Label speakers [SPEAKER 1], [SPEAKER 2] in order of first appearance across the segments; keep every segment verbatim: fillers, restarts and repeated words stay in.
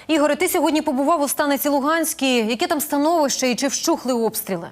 [SPEAKER 1] Ігоре, ти сьогодні побував у станиці Луганській. Яке там становище і чи вщухли обстріли?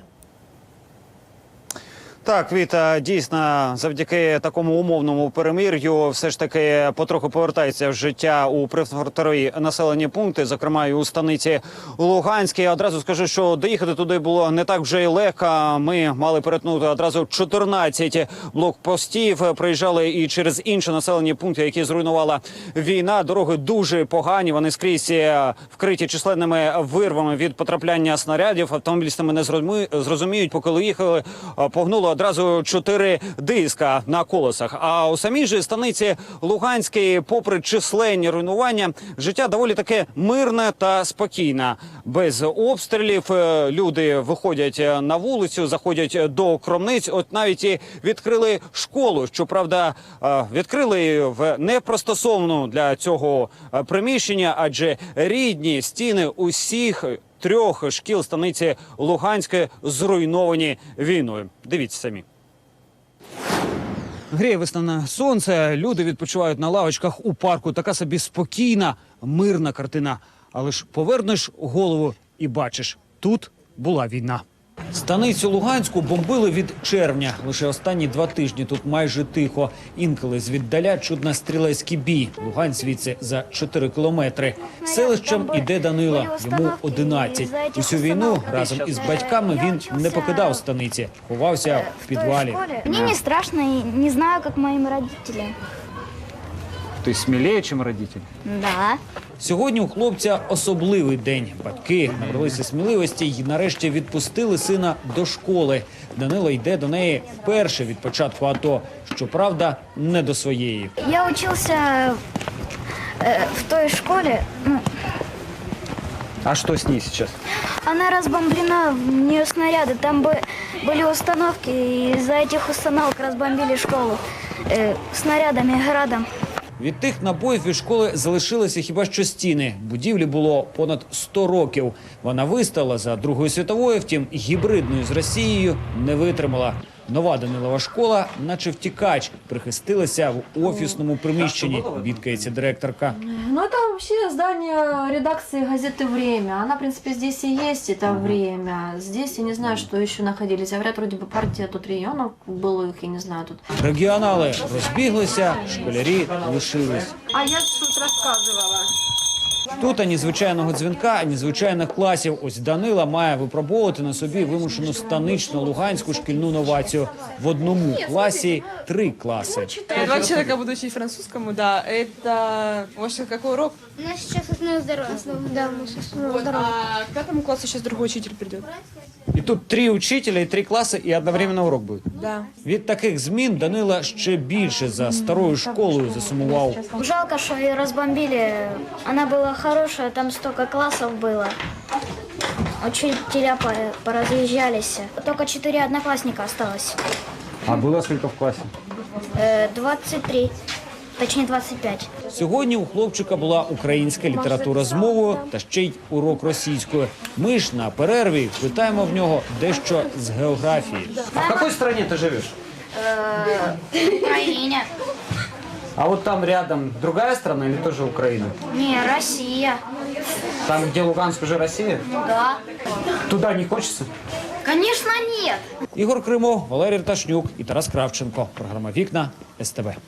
[SPEAKER 2] Так, Віта, дійсно, завдяки такому умовному перемир'ю все ж таки потроху повертається в життя у прифронтові населені пункти, зокрема і у станиці Луганській. Одразу скажу, що доїхати туди було не так вже й легко. Ми мали перетнути одразу чотирнадцять блокпостів. Приїжджали і через інші населені пункти, які зруйнувала війна. Дороги дуже погані, вони скрізь вкриті численними вирвами від потрапляння снарядів. Автомобілісти не зрозуміють, поки їхали, погнуло одразу чотири диска на колесах. А у самій же станиці Луганській, попри численні руйнування, життя доволі таке мирне та спокійне. Без обстрілів люди виходять на вулицю, заходять до крамниць. От навіть і відкрили школу. Щоправда, відкрили в непристосованому для цього приміщення, адже рідні стіни усіх трьох шкіл станиці Луганської зруйновані війною. Дивіться самі. Гріє весняне сонце, люди відпочивають на лавочках у парку. Така собі спокійна, мирна картина. Але ж повернеш голову і бачиш, тут була війна. Станицю Луганську бомбили від червня. Лише останні два тижні тут майже тихо. Інколи звіддаля чудно стрілецький бій. Лугань звідси за чотири кілометри. Селищем іде Данила, йому одинадцять. Усю війну разом із батьками він не покидав станиці, ховався в підвалі.
[SPEAKER 3] Мені не страшно, не знаю, як моїм родителям.
[SPEAKER 2] Ти сміліє, ніж родителі?
[SPEAKER 3] Да.
[SPEAKER 2] Сьогодні у хлопця особливий день. Батьки набралися сміливості і нарешті відпустили сина до школи. Данило йде до неї вперше від початку АТО. Щоправда, не до своєї.
[SPEAKER 3] Я вчився э, в той школі. Ну,
[SPEAKER 2] А що з нею зараз?
[SPEAKER 3] она разбомблена, в нее снаряды. Там бы были установки, и из-за этих установок разбомбили школу э, снарядами, градом.
[SPEAKER 2] Від тих набоїв від школи залишилися хіба що стіни. Будівлі було понад сто років. Вона вистояла за Другою світовою, втім гібридною з Росією не витримала. Нова Данилова школа, наче втікач, прихистилася в офісному приміщенні, бідкається директорка.
[SPEAKER 4] Ну, это вообще здание редакции газеты «Время». Она, в принципе, здесь и есть, это «Время». Здесь, я не знаю, что еще находились. Говорят, вроде бы партия тут районов былых, я не знаю, тут.
[SPEAKER 2] Регіонали розбіглися, школярі лишились.
[SPEAKER 4] А я тут рассказывала.
[SPEAKER 2] Тут ані звичайного дзвінка, ані звичайних класів. Ось Данила має випробовувати на собі вимушену станичну луганську шкільну новацію. В одному класі три класи.
[SPEAKER 5] Я два человека буду учить французскому, да. Это, может, какой урок?
[SPEAKER 3] У нас сейчас основное здоровье. Да, у нас основное
[SPEAKER 5] Вот, а к пятому классу сейчас другой учитель придет.
[SPEAKER 2] І тут три учителя і три класи, і одновременно урок буде.
[SPEAKER 5] Да.
[SPEAKER 2] Від таких змін Данила ще більше за старою школою засумував.
[SPEAKER 3] Жалко, что ее разбомбили. Она была хорошая, там столько классов было. Учителя поразъезжались. Только четыре одноклассника осталось.
[SPEAKER 2] А було скільки в класі?
[SPEAKER 3] Э, двадцать три. Точнее, двадцать пять.
[SPEAKER 2] Сьогодні у хлопчика була українська література з мовою та ще й урок російської. Ми ж на перерві питаємо в нього дещо з географії. А в якій країні ти живеш?
[SPEAKER 3] В Украине.
[SPEAKER 2] А от там рядом другая страна или тоже Украина?
[SPEAKER 3] Не, Россия.
[SPEAKER 2] Там, где Луганск, уже Россия?
[SPEAKER 3] Да.
[SPEAKER 2] Туда не хочется?
[SPEAKER 3] Конечно, нет.
[SPEAKER 2] Ігор Кримов, Валерій Арташнюк і Тарас Кравченко. Програма «Вікна» ес те ве.